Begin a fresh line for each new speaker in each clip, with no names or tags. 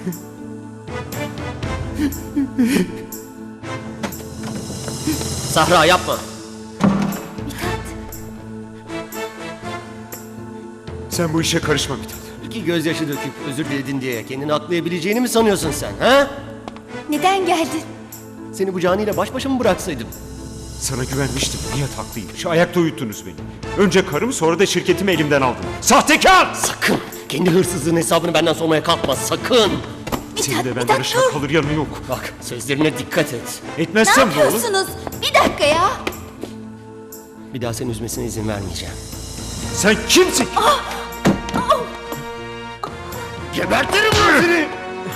Sahra yapma.
Sen bu işe karışma Mithat.
İki gözyaşı döküp özür diledin diye kendini aklayabileceğini mi sanıyorsun sen ha?
Neden geldin?
Seni bu canıyla baş başa mı bıraksaydım?
Sana güvenmiştim. Nihat haklıymış. Ayakta uyuttunuz beni. Önce karımı sonra da şirketimi elimden aldın. Sahtekar!
Sakın! Kendi hırsızlığın hesabını benden sormaya kalkma sakın!
Senin de benden aşağı kalır yanı yok.
Bak sözlerine dikkat et.
Ne
Etmezsem ne olur?
yapıyorsunuz? Bir dakika ya.
Bir daha seni üzmesine izin vermeyeceğim.
Sen kimsin?
Gebertirim ben seni!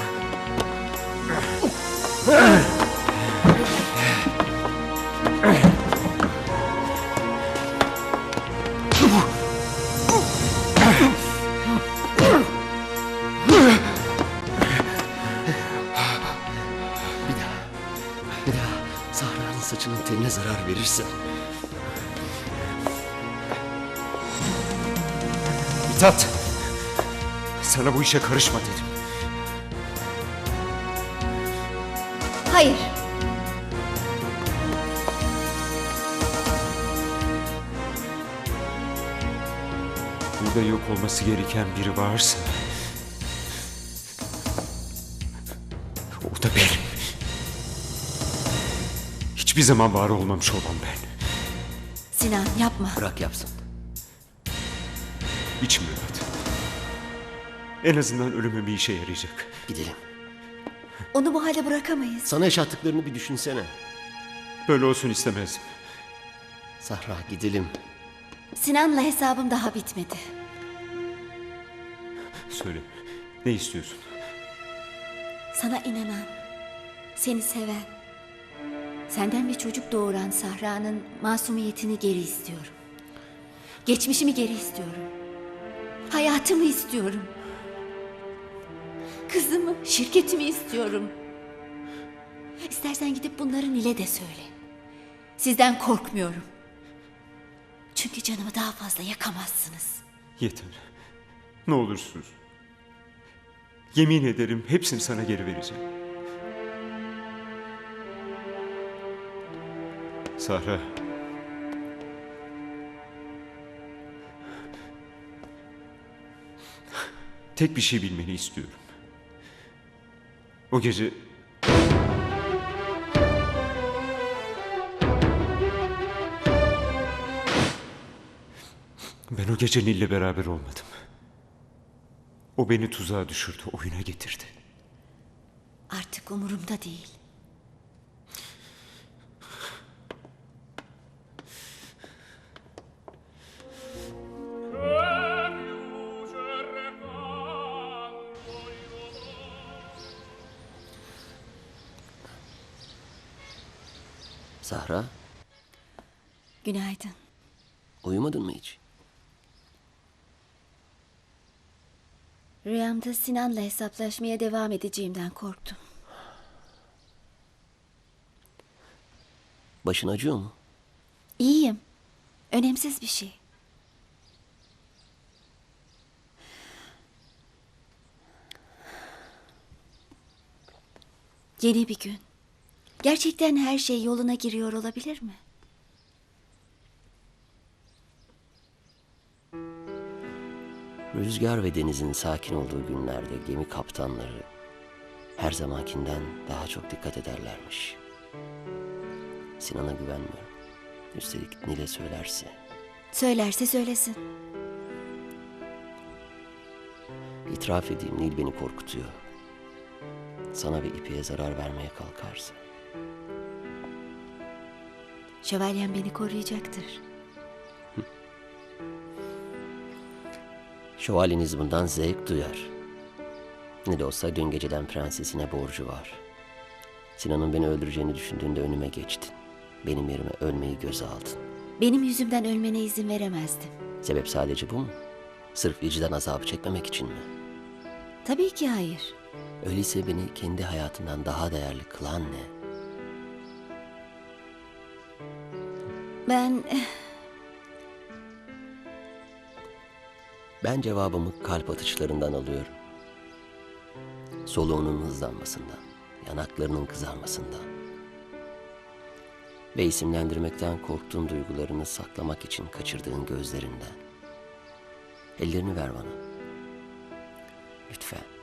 Bir daha Sahra'nın saçının teline zarar verirsen
Mithat! Sana bu işe karışma dedim.
Hayır.
Burada yok olması gereken biri varsa... o da benim. Hiçbir zaman var olmamış olan ben.
Sinan yapma.
bırak yapsın.
İçim rahat. En azından ölümü bir işe yarayacak.
Gidelim.
Onu bu hale bırakamayız.
Sana yaşattıklarını bir düşünsene.
Böyle olsun istemezdim.
Sahra gidelim.
Sinan'la hesabım daha bitmedi.
Söyle, ne istiyorsun?
Sana inanan, seni seven, senden bir çocuk doğuran Sahra'nın masumiyetini geri istiyorum. Geçmişimi geri istiyorum. Hayatımı istiyorum. Kızımı, şirketimi istiyorum. İstersen gidip bunları Nil'e de söyle. Sizden korkmuyorum. Çünkü canımı daha fazla yakamazsınız.
Yeter. Ne olursunuz. Yemin ederim hepsini sana geri vereceğim. Sahra. Tek bir şey bilmeni istiyorum. O gece... Ben o gece Nil'le beraber olmadım. O beni tuzağa düşürdü, oyuna getirdi.
Artık umurumda değil.
Sahra,
Günaydın.
uyumadın mı hiç?
Rüyamda Sinan'la hesaplaşmaya devam edeceğimden korktum.
Başın acıyor mu?
İyiyim. Önemsiz bir şey. Yeni bir gün. Gerçekten her şey yoluna giriyor olabilir mi?
Rüzgar ve denizin sakin olduğu günlerde gemi kaptanları her zamankinden daha çok dikkat ederlermiş. Sinan'a güvenmiyorum. Üstelik Nil'e söylerse.
Söylerse söylesin.
İtiraf edeyim, Nil beni korkutuyor. Sana ve İpek'e zarar vermeye kalkarsa.
Şövalyem beni koruyacaktır.
Şövalyeniz bundan zevk duyar. Ne de olsa dün geceden prensesine borcu var. Sinan'ın beni öldüreceğini düşündüğünde önüme geçtin. Benim yerime ölmeyi göze aldın.
Benim yüzümden ölmene izin veremezdim.
Sebep sadece bu mu? Sırf vicdan azabı çekmemek için mi?
Tabii ki hayır.
Öyleyse beni kendi hayatından daha değerli kılan ne?
Ben
Ben cevabımı kalp atışlarından alıyorum. Soluğunun hızlanmasından, yanaklarının kızarmasından ve isimlendirmekten korktuğun duygularını saklamak için kaçırdığın gözlerinden. Ellerini ver bana. Lütfen.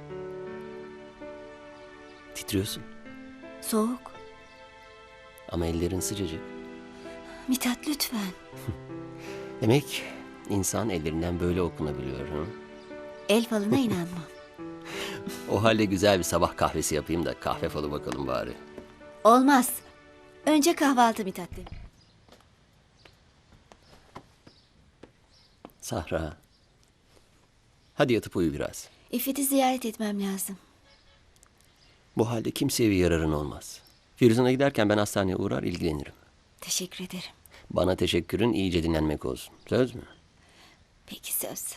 Titriyorsun
Soğuk.
ama ellerin sıcacık.
Mithat lütfen.
Demek insan ellerinden böyle okunabiliyor. Hı?
El falına inanmam.
O halde güzel bir sabah kahvesi yapayım da kahve falı bakalım bari.
Olmaz. Önce kahvaltı Mithat'le.
Sahra. Hadi yatıp uyu biraz.
İffet'i ziyaret etmem lazım.
Bu halde kimseye bir yararın olmaz. Firuzan'a giderken ben hastaneye uğrar ilgilenirim.
Teşekkür ederim.
Bana teşekkürün iyice dinlenmek olsun. Söz mü?
Peki söz.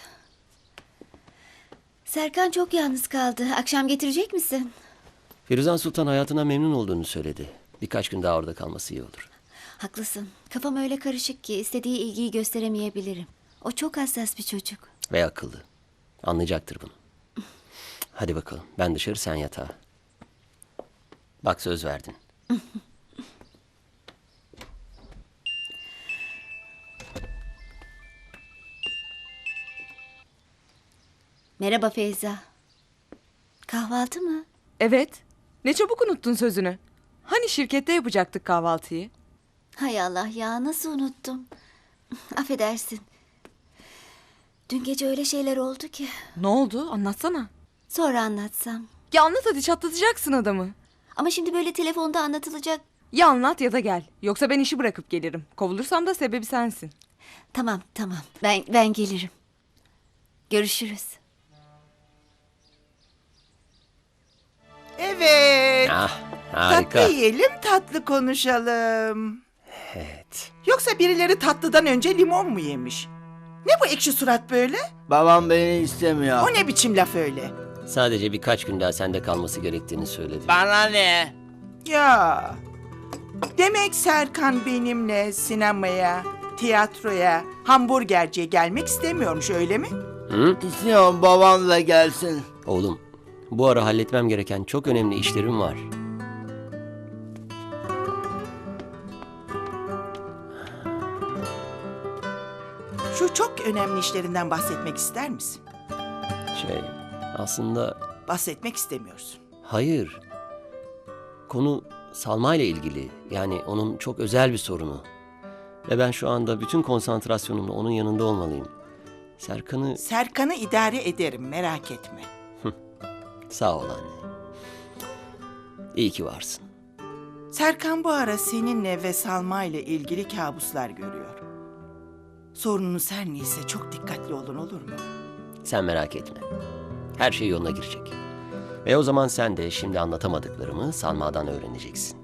Serkan çok yalnız kaldı. Akşam getirecek misin?
Firuzan Sultan hayatına memnun olduğunu söyledi. Birkaç gün daha orada kalması iyi olur.
Haklısın. Kafam öyle karışık ki istediği ilgiyi gösteremeyebilirim. O çok hassas bir çocuk.
Ve akıllı. Anlayacaktır bunu. Hadi bakalım. Ben dışarı, sen yatağa. Bak söz verdin.
Merhaba Feyza. Kahvaltı mı?
Evet. Ne çabuk unuttun sözünü. Hani şirkette yapacaktık kahvaltıyı?
Hay Allah ya, nasıl unuttum. Affedersin. Dün gece öyle şeyler oldu ki.
Ne oldu? Anlatsana.
Sonra anlatsam.
Ya anlat hadi, çatlatacaksın adamı.
Ama şimdi böyle telefonda anlatılacak.
Ya anlat ya da gel. Yoksa ben işi bırakıp gelirim. Kovulursam da sebebi sensin.
Tamam tamam, ben gelirim. Görüşürüz.
Evet.
Ah, harika.
Tatlı yiyelim, tatlı konuşalım.
Evet.
Yoksa birileri tatlıdan önce limon mu yemiş? Ne bu ekşi surat böyle?
Babam beni istemiyor.
O ne biçim laf öyle?
Sadece birkaç gün daha sende kalması gerektiğini söyledi.
Bana ne?
Ya. Demek Serkan benimle sinemaya, tiyatroya, hamburgerciye gelmek istemiyormuş, öyle mi?
Hı?
İstiyorum babam da gelsin.
Oğlum, bu ara halletmem gereken çok önemli işlerim var.
Şu çok önemli işlerinden bahsetmek ister misin?
Aslında
Bahsetmek istemiyorsun.
hayır. Konu Salma ile ilgili. Yani onun çok özel bir sorunu. Ve ben şu anda bütün konsantrasyonumla onun yanında olmalıyım.
Serkan'ı idare ederim, merak etme.
Sağ ol anne. İyi ki varsın.
Serkan bu ara seninle ve Salma ile ilgili kabuslar görüyor. Sorununuz her neyse çok dikkatli olun, olur mu?
Sen merak etme. Her şey yoluna girecek. Ve o zaman sen de şimdi anlatamadıklarımı Salma'dan öğreneceksin.